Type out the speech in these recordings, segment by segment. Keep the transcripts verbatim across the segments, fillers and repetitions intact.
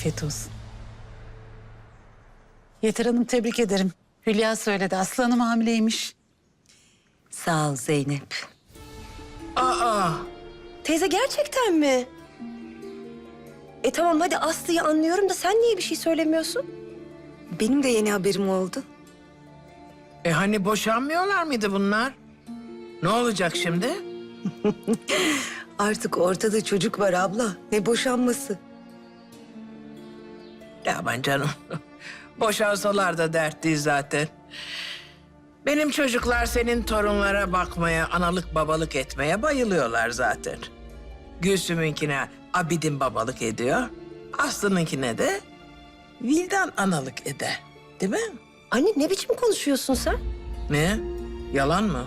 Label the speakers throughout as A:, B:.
A: Afiyet olsun. Yeter Hanım, tebrik ederim. Hülya söyledi, Aslı Hanım hamileymiş.
B: Sağ ol Zeynep.
C: Aa,
B: Teyze gerçekten mi? E tamam hadi Aslı'yı anlıyorum da sen niye bir şey söylemiyorsun? Benim de yeni haberim oldu.
C: e hani boşanmıyorlar mıydı bunlar? Ne olacak şimdi?
B: Artık ortada çocuk var abla. Ne boşanması?
C: Ya aman canım. Boşansalar da dert değil zaten. Benim çocuklar senin torunlara bakmaya, analık babalık etmeye bayılıyorlar zaten. Gülsüm'ünkine Abidin babalık ediyor. Aslı'nınkine de Vildan analık eder. Değil mi?
B: Anne ne biçim konuşuyorsun sen?
C: Ne? Yalan mı?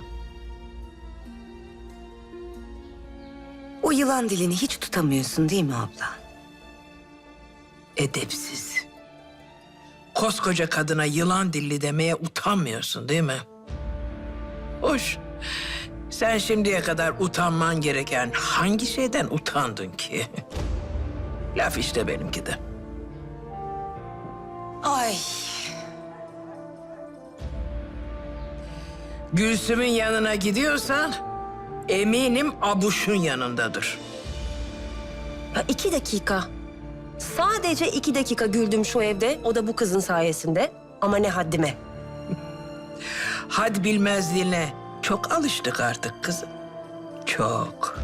B: O yılan dilini hiç tutamıyorsun değil mi abla?
C: Edepsiz. Koskoca kadına yılan dilli demeye utanmıyorsun değil mi? Hoş. Sen şimdiye kadar utanman gereken hangi şeyden utandın ki? Laf işte benimki de.
B: Ay.
C: Gülsüm'ün yanına gidiyorsan eminim Abuş'un yanındadır.
B: Ya iki dakika. Sadece iki dakika güldüm şu evde. O da bu kızın sayesinde. Ama ne haddime.
C: Had bilmezliğine çok alıştık artık kızım. Çok.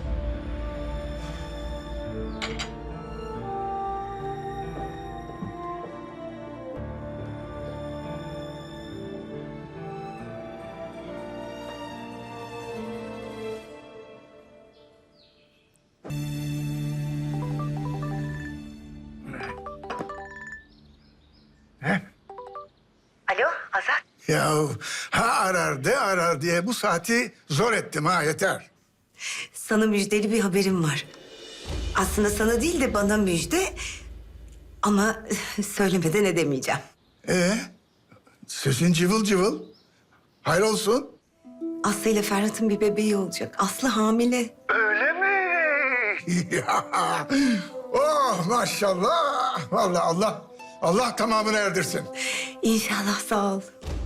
B: Alo Azat.
D: Ya ha arar de arar diye bu saati zor ettim ha yeter.
B: Sana müjdeli bir haberim var. Aslında sana değil de bana müjde. Ama söylemeden edemeyeceğim.
D: Ee, sesin cıvıl cıvıl. Hayır olsun.
B: Aslı ile Ferhat'ın bir bebeği olacak. Aslı hamile.
D: Öyle mi? Ya, oh maşallah. Vallahi Allah Allah tamamını erdirsin.
B: İnşallah sağ ol.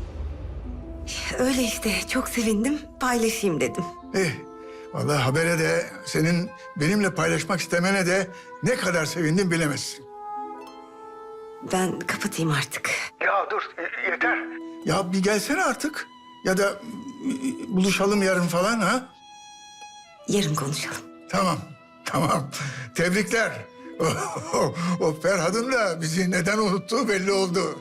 B: Öyle işte çok sevindim. Paylaşayım dedim.
D: Eh, vallahi habere de senin benimle paylaşmak istemene de ne kadar sevindim bilemezsin.
B: Ben kapatayım artık.
D: Ya dur yeter. Ya bir gelsene artık. Ya da e, buluşalım yarın falan ha.
B: Yarın konuşalım.
D: Tamam, tamam. Tebrikler. O, o Ferhat'ın da bizi neden unuttuğu belli oldu.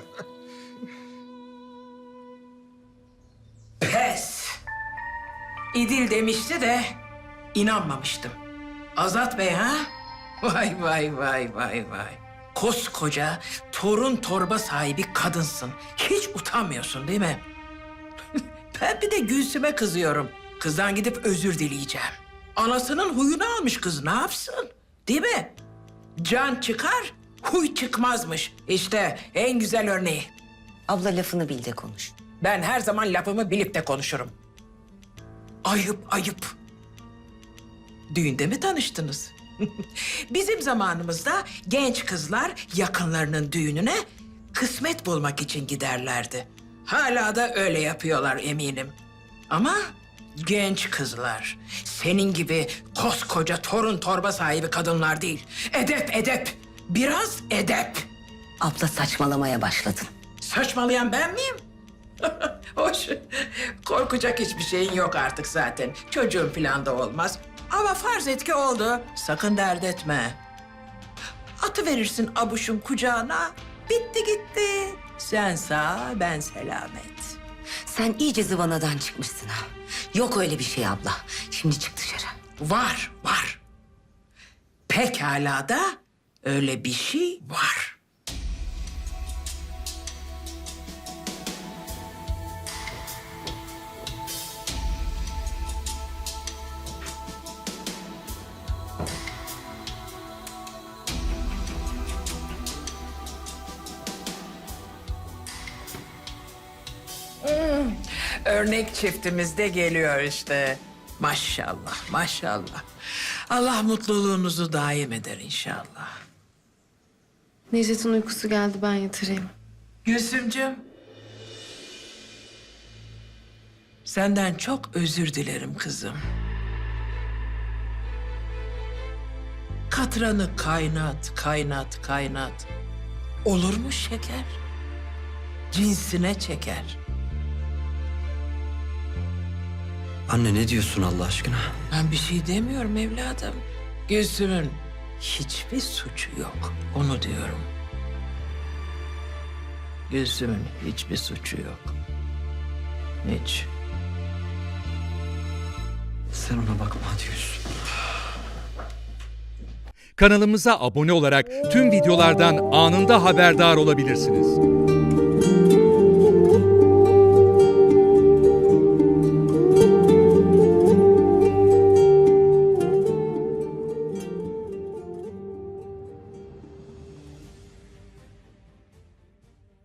C: Pes. İdil demişti de inanmamıştım. Azat Bey ha? Vay vay vay vay vay. Koskoca torun torba sahibi kadınsın. Hiç utanmıyorsun değil mi? Ben bir de Gülsüm'e kızıyorum. Kızdan gidip özür dileyeceğim. Anasının huyunu almış kız, ne yapsın? Değil mi? Can çıkar, huy çıkmazmış. İşte en güzel örneği.
B: Abla lafını bil de konuş.
C: Ben her zaman lafımı bilip de konuşurum. Ayıp, ayıp. Düğünde mi tanıştınız? Bizim zamanımızda genç kızlar yakınlarının düğününe kısmet bulmak için giderlerdi. Hala da öyle yapıyorlar eminim. Ama genç kızlar, senin gibi koskoca torun torba sahibi kadınlar değil. Edep, edep. Biraz edep.
B: Abla saçmalamaya başladın.
C: Saçmalayan ben miyim? Hoş. Korkacak hiçbir şeyin yok artık zaten. Çocuğun falan da olmaz. Ama farz et ki oldu. Sakın dert etme. Atı verirsin Abuş'un kucağına. Bitti gitti. Sen sağ, ben selamet.
B: Sen iyice zıvanadan çıkmışsın ha. Yok öyle bir şey abla. Şimdi çık dışarı.
C: Var, var. Pekala da öyle bir şey var. Örnek çiftimiz de geliyor işte. Maşallah, maşallah. Allah mutluluğunuzu daim eder inşallah.
E: Necdet'in uykusu geldi, ben yatırayım.
C: Gülsümcüğüm. Senden çok özür dilerim kızım. Katranı kaynat, kaynat, kaynat. Olur mu şeker? Cinsine çeker.
F: Anne ne diyorsun Allah aşkına?
C: Ben bir şey demiyorum evladım. Gülsüm'ün hiçbir suçu yok. Onu diyorum. Gülsüm'ün hiçbir suçu yok. Hiç.
F: Sen ona bakma hadi Gülsüm.
G: Kanalımıza abone olarak tüm videolardan anında haberdar olabilirsiniz.